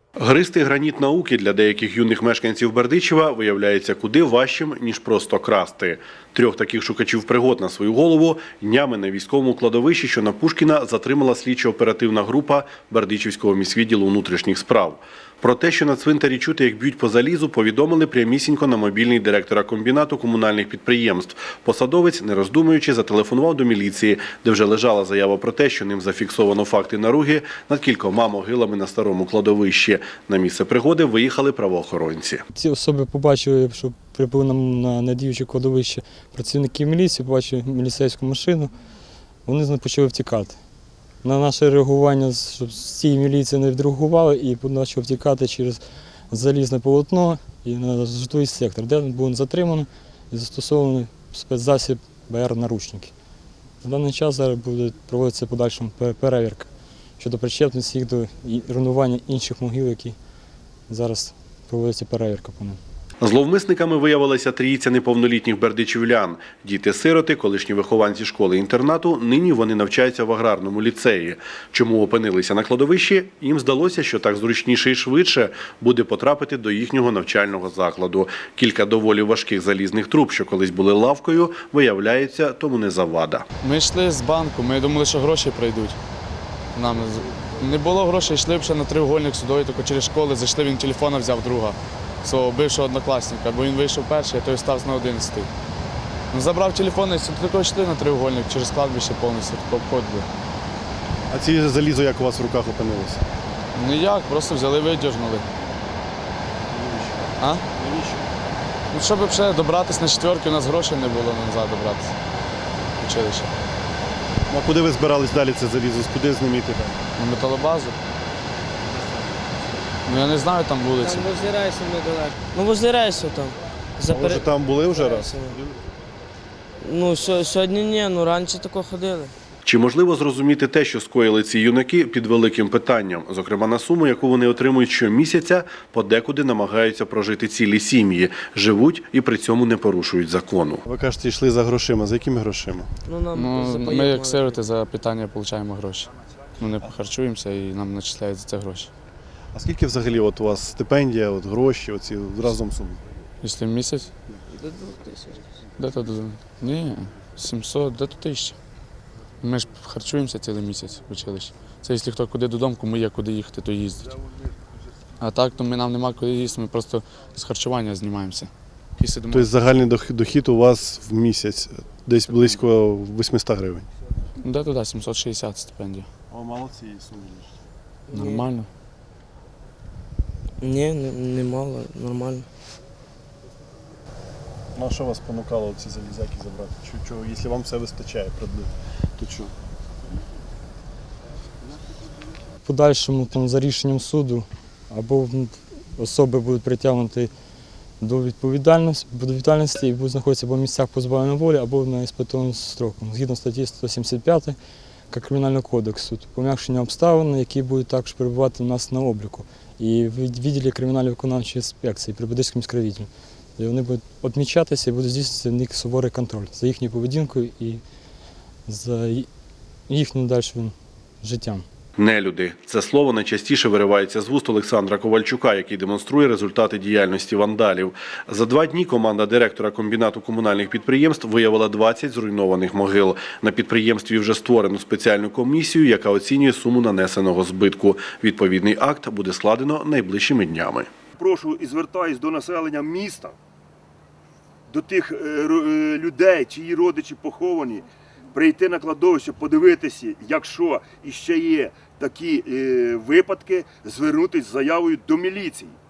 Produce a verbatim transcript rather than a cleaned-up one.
Гризти граніт науки для деяких юних мешканців Бердичева виявляється куди важчим, ніж просто красти. Трьох таких шукачів пригод на свою голову днями на військовому кладовищі, що на Пушкіна, затримала слідчо-оперативна група Бердичівського міськвідділу внутрішніх справ. Про те, що на цвинтарі чути, як б'ють по залізу, повідомили прямісінько на мобільний директора комбінату комунальних підприємств. Посадовець, не роздумуючи, зателефонував до міліції, де вже лежала заява про те, що ним зафіксовано факти наруги над кількома могилами на старому кладовищі. На місце пригоди виїхали правоохоронці. Ці особи побачили, що прибули на недіюче кладовище працівники міліції, побачили міліцейську машину, вони почали втікати. На наше реагування, щоб з цієї міліції не відреагували і почали втікати через залізне полотно і на житловий сектор, де було затримано і застосований спецзасіб Б Р наручники. На даний час зараз буде проводитися подальша перевірка щодо причетності їх до руйнування інших могил, які зараз проводиться перевірка по ним. Зловмисниками виявилася трійця неповнолітніх бердичівлян. Діти-сироти, колишні вихованці школи-інтернату, нині вони навчаються в аграрному ліцеї. Чому опинилися на кладовищі? Їм здалося, що так зручніше і швидше буде потрапити до їхнього навчального закладу. Кілька доволі важких залізних труб, що колись були лавкою, виявляється, тому не завада. Ми йшли з банку, ми думали, що гроші прийдуть. Нам не було грошей, йшли б ще на треугольник судовий, тільки через школи зайшли, він телефона взяв друга, свого бившого однокласника, бо він вийшов перший, а той стався на одинадцятий. Він забрав телефон і тільки йшли на треугольник, через кладбище повністю обходили. А ці залізо як у вас в руках опинилося? Ніяк, просто взяли, видірнули. А? Ну, щоб ще добратися на четверки, у нас грошей не було назад добратися в училище. Ну, а куди ви збирались далі це залізо? Куди з ним йти? На металобазу. Ну я не знаю, там вулиці. Там возле рейсу недалеко. Ну возле рейсу там. А ви вже там були вже раз? Ну сьогодні ні, ну раніше тако ходили. Чи можливо зрозуміти те, що скоїли ці юнаки, під великим питанням? Зокрема, на суму, яку вони отримують щомісяця, подекуди намагаються прожити цілі сім'ї, живуть і при цьому не порушують закону. Ви кажете, йшли за грошима. За якими грошима? Ну, нам Ну, за ми поїдку як сироти за питання отримуємо гроші. Ми не харчуємося і нам начисляють за це гроші. А скільки взагалі от у вас стипендія, от гроші, оці разом суми? Якщо в місяць? До двох тисяч. Де то? Ні, сімсот, де то тисяча. Ми ж харчуємося цілий місяць в училищі. Це якщо хто куди додому, кому є куди їхати, то їздить. А так, то ми нам нема куди їсти, ми просто з харчування знімаємося. І сидимо. Тобто загальний дохід у вас в місяць десь близько вісімсот гривень? Де туди, сімсот шістдесят стипендія. О, мало цієї суми. Нормально. Ні, немало, нормально. Ну, а що вас спонукало ці залізяки забрати? Чого, чого, якщо вам все вистачає, то чого? В подальшому там, за рішенням суду або особи будуть притягнуті до відповідальності, до відповідальності і будуть знаходитися або в місцях позбавлення волі, або на іспитовому строку. Згідно статті сто сімдесят п'ять Кримінального кодексу, пом'якшення обставин, які будуть також перебувати у нас на обліку. І в відділі кримінально-виконавчої інспекції при Бердичівському міськрайвідділі. І вони будуть відмічатися і буде здійснюватися в них суворий контроль за їхньою поведінкою і за їхнім дальшим життям. Нелюди. Це слово найчастіше виривається з вуст Олександра Ковальчука, який демонструє результати діяльності вандалів. За два дні команда директора комбінату комунальних підприємств виявила двадцять зруйнованих могил. На підприємстві вже створено спеціальну комісію, яка оцінює суму нанесеного збитку. Відповідний акт буде складено найближчими днями. Прошу і звертаюсь до населення міста, до тих людей, чиї родичі поховані, прийти на кладовище, подивитися, якщо іще є такі випадки, звернутися з заявою до міліції.